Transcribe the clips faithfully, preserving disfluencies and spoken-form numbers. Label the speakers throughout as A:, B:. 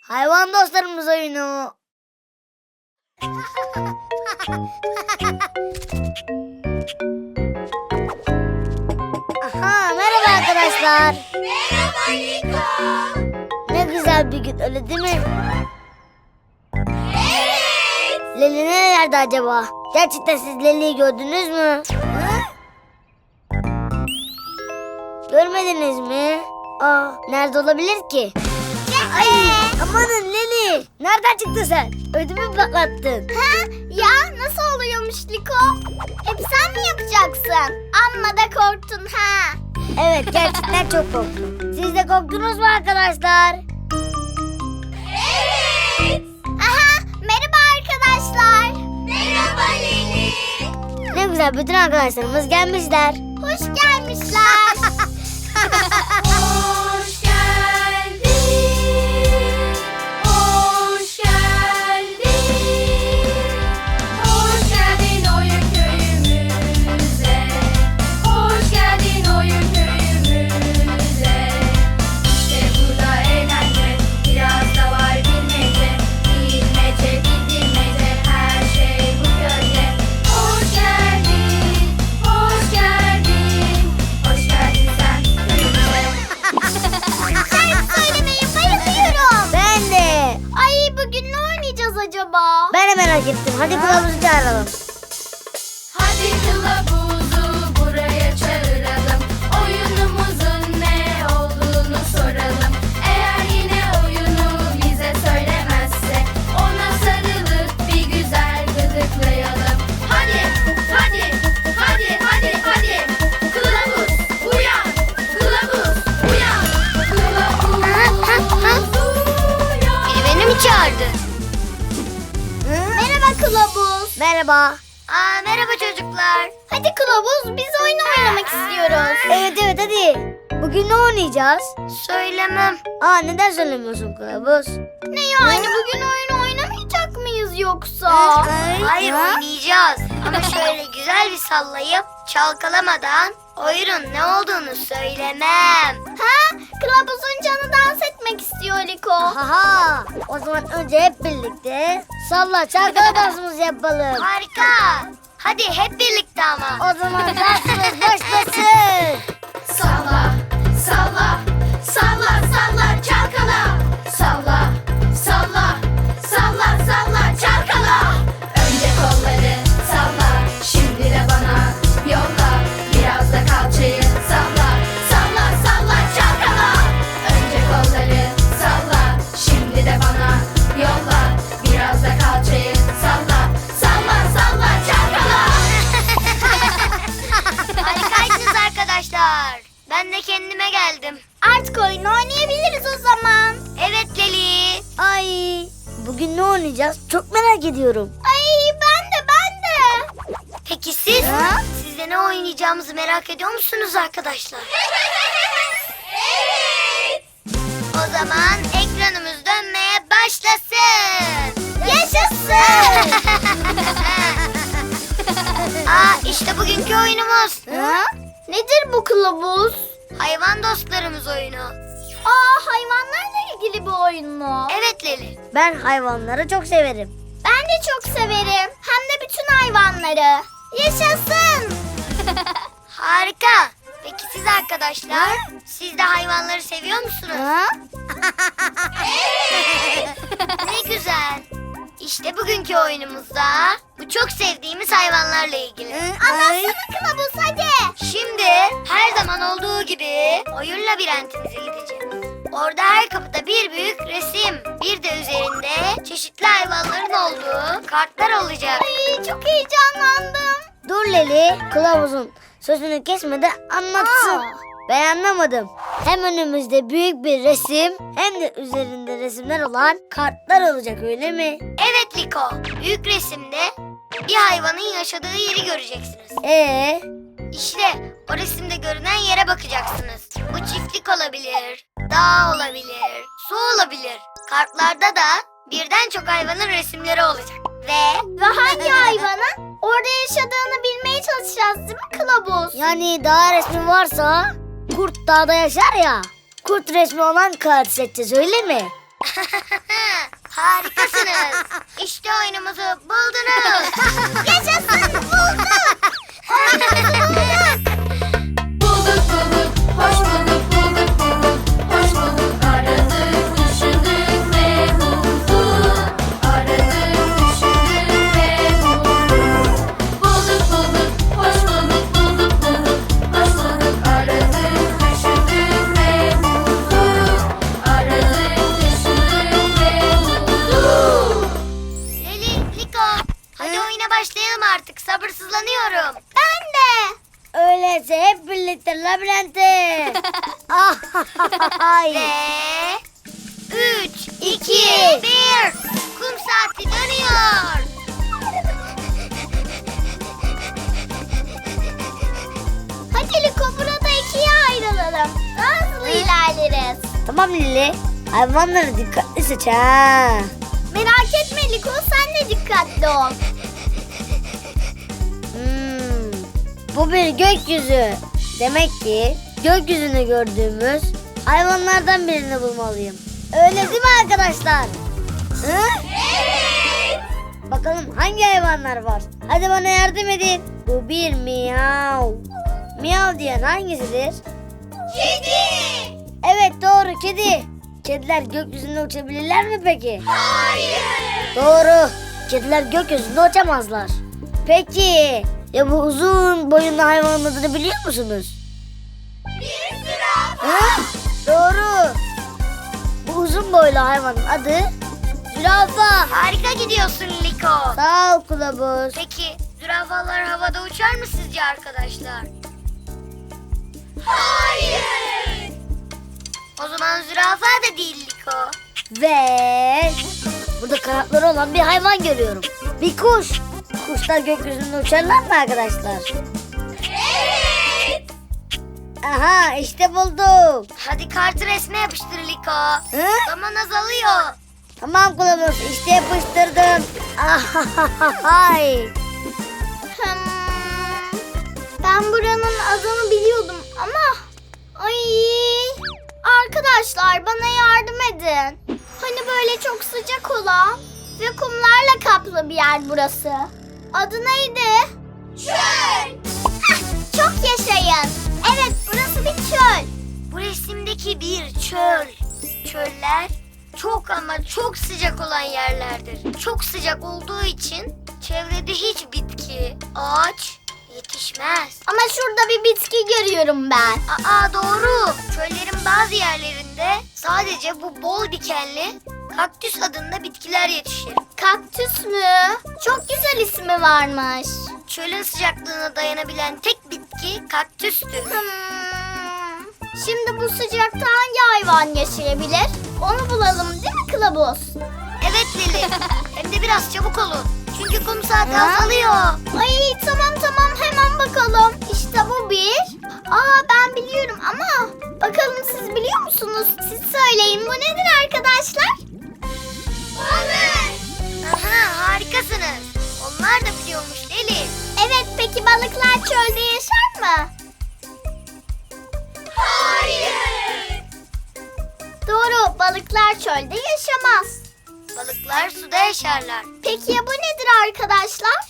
A: Hayvan dostlarımız oyunu. Aha, merhaba arkadaşlar.
B: Merhaba Liko.
A: Ne güzel bir gün, öyle değil mi?
B: Evet.
A: Leli nerelerde acaba? Gerçekten siz Leli'yi gördünüz mü? Hı? Görmediniz mi? Aa, nerede olabilir ki? Ay, amanın Leli. Nereden çıktın sen? Ödümü patlattın.
B: Ha? Ya nasıl oluyormuş Liko? Hep sen mi yapacaksın? Amma da korktun ha.
A: Evet, gerçekten çok korktum. Siz de korktunuz mu arkadaşlar?
B: Evet. Aha, merhaba arkadaşlar. Merhaba Leli.
A: Ne güzel, bütün arkadaşlarımız gelmişler.
B: Hoş gelmişler. Hoş geldin. Hoş geldin. Hoş geldin oyun köyümüze. Hoş geldin oyun köyümüze. İşte burada eğlence, biraz da var bilmece. Bilmece, bilmece, her şey bu köyde. Hoş geldin, hoş geldin. Hoş geldin sen köyümüze. Şarkı söylemeye bayılıyorum.
A: Ben de.
B: Ay bugün ne oynayacağız acaba?
A: Ben de merak ettim. Hadi kılavuzu çağıralım.
B: Hadi kılavuzu buraya çağıralım. Oyunumuzun ne olduğunu soralım. Eğer yine oyunu bize söylemezse ona sarılıp bir güzel gıdıklayalım. Hadi, hadi, hadi, hadi, hadi. Kılavuz uyan, kılavuz uyan, kılavuz uyan.
A: Biri beni mi çağırdı?
B: Merhaba kılavuz.
A: Merhaba.
B: Aa, merhaba çocuklar. Hadi kılavuz, biz oyun oynamak istiyoruz.
A: Evet evet, hadi. Bugün ne oynayacağız?
B: Söylemem.
A: Aa, neden söylemiyorsun kılavuz?
B: Ne yani, bugün oyun oynamayacak mıyız yoksa?
A: Ay,
C: Hayır,
A: ya.
C: oynayacağız ama şöyle güzel bir sallayıp çalkalamadan oyunun ne olduğunu söylemem.
B: Ha? Kılavuzun canı dans etmek istiyor Liko.
A: Haha. O zaman önce hep birlikte salla çalkala dansımızı yapalım.
C: Harika. Hadi hep birlikte ama.
A: O zaman dansımız başlasın.
B: Salla, salla, salla, salla, çalkala. Salla, salla, salla, salla, çalkala. Önce kolları salla, şimdi de bana yolla. Biraz da kalçayı salla, salla, salla, çalkala. Önce kolları salla, şimdi de bana yolla. Biraz da kalçayı salla, salla, salla, çalkala.
C: Harikaysınız arkadaşlar. Ben de kendime geldim.
B: Artık oyun oynayabiliriz o zaman.
C: Evet Leli.
A: Ay, bugün ne oynayacağız? Çok merak ediyorum.
B: Ay ben de ben de.
C: Peki siz?
A: Ha?
C: Siz de ne oynayacağımızı merak ediyor musunuz arkadaşlar?
B: Evet.
C: O zaman ekranımız dönmeye başlasın.
B: Yaşasın.
C: Aa, işte bugünkü oyunumuz.
A: Ha?
B: Nedir bu kılavuz?
C: Hayvan dostlarımız oyunu.
B: Aa, hayvanlarla ilgili bir oyun mu?
C: Evet Leli.
A: Ben hayvanları çok severim.
B: Ben de çok severim. Hem de bütün hayvanları. Yaşasın.
C: Harika. Peki siz arkadaşlar? Siz de hayvanları seviyor musunuz?
A: Ha?
C: Ne güzel. İşte bugünkü oyunumuzda bu çok sevdiğimiz hayvanlarla ilgili.
B: Anlatsana kılavuz hadi.
C: Şimdi her zaman olduğu gibi oyun labirentimize gideceğiz. Orada her kapıda bir büyük resim, bir de üzerinde çeşitli hayvanların olduğu kartlar olacak.
B: Ay çok heyecanlandım.
A: Dur Leli, kılavuzun sözünü kesmeden anlatsın.
B: Aa.
A: Ben anlamadım. Hem önümüzde büyük bir resim hem de üzerinde resimler olan kartlar olacak, öyle mi?
C: Evet Liko, büyük resimde bir hayvanın yaşadığı yeri göreceksiniz.
A: Ee,
C: İşte o resimde görünen yere bakacaksınız. Bu çiftlik olabilir, dağ olabilir, su olabilir. Kartlarda da birden çok hayvanın resimleri olacak. Ve
B: Ve hangi hayvanın orada yaşadığını bilmeye çalışacağız değil mi kılavuz?
A: yani dağ resmi varsa kurt dağda yaşar ya. Kurt resmi olan kağıt seçeceğiz, öyle mi?
C: Harikasınız. İşte oyunumuzu buldunuz.
B: Yaşasın bulduk. Oyunumuzu bulduk.
D: Bulduk bulduk, hoş bulduk, bulduk bulduk, hoş bulduk. Aradık, düşündük ve bulduk. Aradık, düşündük ve bulduk. Bulduk bulduk, hoş bulduk, bulduk bulduk, hoş bulduk. Aradık, düşündük ve bulduk. Aradık, düşündük ve bulduk.
C: Leli, Liko, hadi oyuna başlayalım artık. Sabırsızlanıyorum.
B: Ben de.
A: Öyleyse hep birlikte labirente. Ah, ay.
C: Ve üç, iki, bir. Kum saati dönüyor.
B: Hadi Liko burada ikiye ayrılalım. Daha hızlı ilerleriz.
A: Tamam Lili. Hayvanları dikkatli seç ha.
B: Merak etme Liko sen de dikkatli ol.
A: Hmm, bu bir gökyüzü. Demek ki gökyüzünü gördüğümüz hayvanlardan birini bulmalıyım. Öyle değil mi arkadaşlar? Hı?
B: Evet.
A: Bakalım hangi hayvanlar var? Hadi bana yardım edin. Bu bir miyav. Miyav diyen hangisidir?
B: Kedi.
A: Evet doğru kedi. Kediler gökyüzünde uçabilirler mi peki?
B: Hayır.
A: Doğru. Kediler gökyüzünde uçamazlar. Peki ya bu uzun boyunlu hayvanın adını biliyor musunuz?
B: Bir zürafa.
A: Ha? Doğru. Bu uzun boylu hayvanın adı zürafa.
C: Harika gidiyorsun Liko.
A: Sağ ol kılavuz.
C: Peki zürafalar havada uçar mı sizce arkadaşlar?
B: Hayır.
C: O zaman zürafa da değil Liko.
A: Ve burada kanatları olan bir hayvan görüyorum. Bir kuş. Kuşlar gökyüzünde uçarlar mı arkadaşlar?
B: Evet.
A: Aha işte buldum.
C: Hadi kartı resme yapıştır Liko.
A: Hı?
C: Zaman azalıyor.
A: Tamam kılavuz işte yapıştırdım. Ahahahay.
B: Hmm, ben buranın adını biliyordum ama... Ay, arkadaşlar bana yardım edin. Hani böyle çok sıcak olan ve kumlarla kaplı bir yer burası. Adı neydi? Çöl. Hah, çok yaşayın. Evet burası bir çöl.
C: Bu resimdeki bir çöl. Çöller çok ama çok sıcak olan yerlerdir. Çok sıcak olduğu için çevrede hiç bitki, ağaç yetişmez.
B: Ama şurada bir bitki görüyorum ben.
C: Aa doğru. Çöllerin bazı yerlerinde sadece bu bol dikenli kaktüs adında bitkiler yetişir.
B: Kaktüs mü? Çok güzel ismi varmış.
C: Çölün sıcaklığına dayanabilen tek bitki kaktüstür.
B: Hmm. Şimdi bu sıcakta hangi hayvan yaşayabilir? Onu bulalım değil mi kılavuz?
C: Evet Lili. Hem de biraz çabuk olun. Çünkü kum saati
B: Ha?
C: azalıyor.
B: Ay tamam tamam hemen bakalım. İşte bu bir. Aa ben biliyorum ama bakalım siz biliyor musunuz? Siz söyleyin bu nedir arkadaşlar? Balık.
C: Aha harikasınız. Onlar da biliyormuş Lili.
B: Evet peki balıklar çölde yaşar mı? Hayır. Doğru balıklar çölde yaşamaz.
C: Balıklar suda yaşarlar.
B: Peki ya bu nedir arkadaşlar?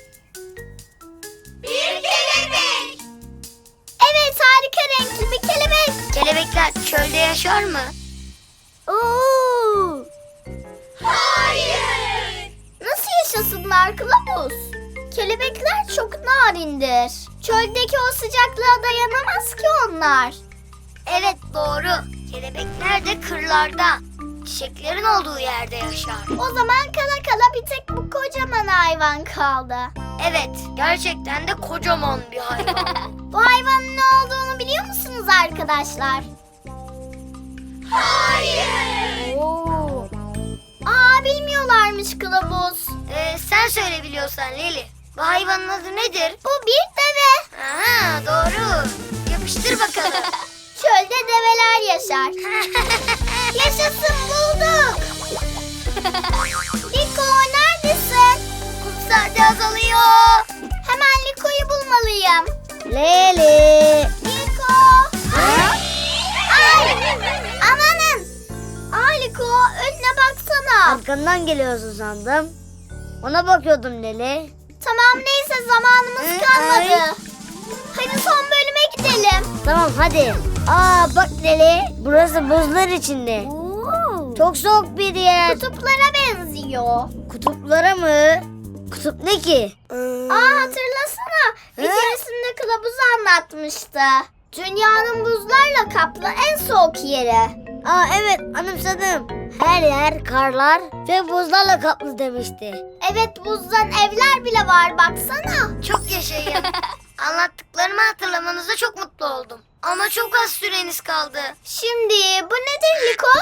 B: Bir kelebek. Evet harika renkli bir kelebek.
C: Kelebekler çölde yaşar mı?
B: Oo. Hayır. Nasıl yaşasınlar kılavuz? Kelebekler çok narindir. Çöldeki o sıcaklığa dayanamaz ki onlar.
C: Evet doğru. Kelebekler de kırlarda, çiçeklerin olduğu yerde yaşar.
B: O zaman kala kala bir tek bu kocaman hayvan kaldı.
C: Evet, gerçekten de kocaman bir hayvan.
B: Bu hayvanın ne olduğunu biliyor musunuz arkadaşlar? Hayır.
A: Oo.
B: Aa bilmiyorlarmış kılavuz.
C: Ee, sen söyle biliyorsan Leli. Bu hayvanın adı nedir?
B: Bu bir deve.
C: Aha doğru. Yapıştır bakalım.
B: Çölde develer yaşar. Yaşasın bulduk. Liko neredesin?
C: Kum saati azalıyor.
B: Hemen Liko'yu bulmalıyım.
A: Leli.
B: Liko. Ay. Amanın. Ay Liko
A: arkandan geliyorsun sandım. Ona bakıyordum Leli.
B: Tamam neyse zamanımız
A: Hı,
B: kalmadı.
A: ay.
B: Hadi son bölüme gidelim.
A: Tamam hadi. Aa bak Leli, burası buzlar içinde. Çok soğuk bir yer.
B: Kutuplara benziyor.
A: Kutuplara mı? Kutup ne ki?
B: Aa hatırlasana. Bir
A: Hı?
B: keresinde kılavuz anlatmıştı. Dünyanın buzlarla kaplı en soğuk yeri.
A: Aa evet, anımsadım. Her yer karlar ve buzlarla kaplı demişti.
B: Evet buzdan evler bile var baksana.
C: Çok yaşayın. Anlattıklarımı hatırlamanıza çok mutlu oldum. Ama çok az süreniz kaldı.
B: Şimdi bu nedir Liko?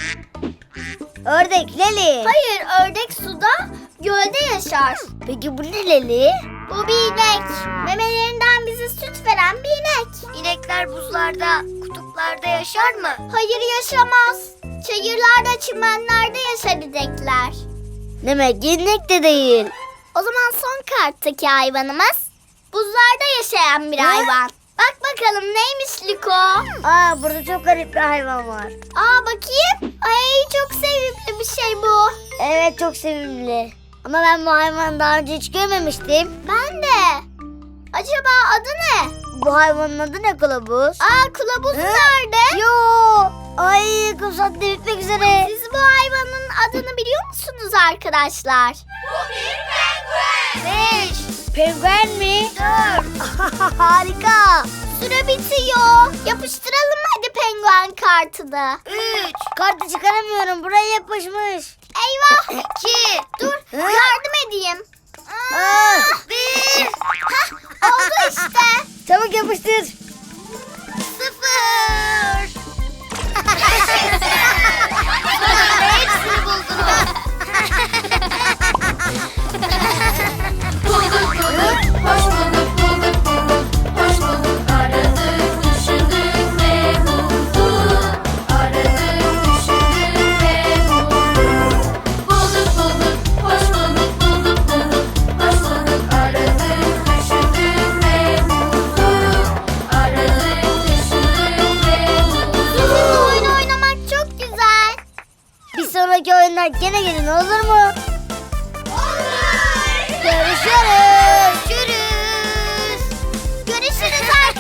A: Ördek Leli.
B: Hayır ördek suda gölde yaşar.
A: Peki bu ne Leli?
B: Bu bir inek. Memelerinden bize süt veren bir inek.
C: İnekler buzlarda, kutuplarda yaşar mı?
B: Hayır yaşamaz. Çayırlarda, çimenlerde yaşar inekler.
A: Demek inek de değil.
B: O zaman son karttaki hayvanımız buzlarda yaşayan bir
A: Ne?
B: hayvan. Bak bakalım neymiş Liko?
A: Aa burada çok garip bir hayvan var.
B: Aa bakayım. Ay çok sevimli bir şey bu.
A: Evet çok sevimli. Ama ben bu hayvanı daha önce hiç görmemiştim.
B: Ben de. Acaba adı ne?
A: Bu hayvanın adı ne kılavuz?
B: Aa kılavuz
A: Hı?
B: nerede?
A: Yo. Ay kum saatte bitmek üzere.
B: Siz bu hayvanın adını biliyor musunuz arkadaşlar?
C: Bu bir penguen. Beş,
A: Penguen mi?
C: dört,
A: Harika.
B: Süre bitiyor. Yapıştıralım hadi penguen kartını.
C: üç,
A: Kartı çıkaramıyorum. Buraya yapışmış.
B: Eyvah.
C: iki,
B: Dur
A: Hı?
B: yardım edeyim.
A: Aa,
C: bir,
B: Oldu işte.
A: çabuk yapıştır.
C: sıfır. Sonunda hepsini buldunuz.
D: Bulduk bulduk, hoş bulduk, bulduk bulduk, hoş bulduk. Aradık, düşündük ve bulduk. Aradık, düşündük ve bulduk. Bulduk bulduk, hoş bulduk, bulduk bulduk, hoş bulduk. Aradık, düşündük ve bulduk. Aradık, düşündük ve bulduk.
B: Sizinle oyun oynamak çok güzel.
A: Bir sonraki oyunlar gene gelin olur mu? Görüşürüz.
C: Görüşürüz.
B: Görüşürüz arkadaşlar.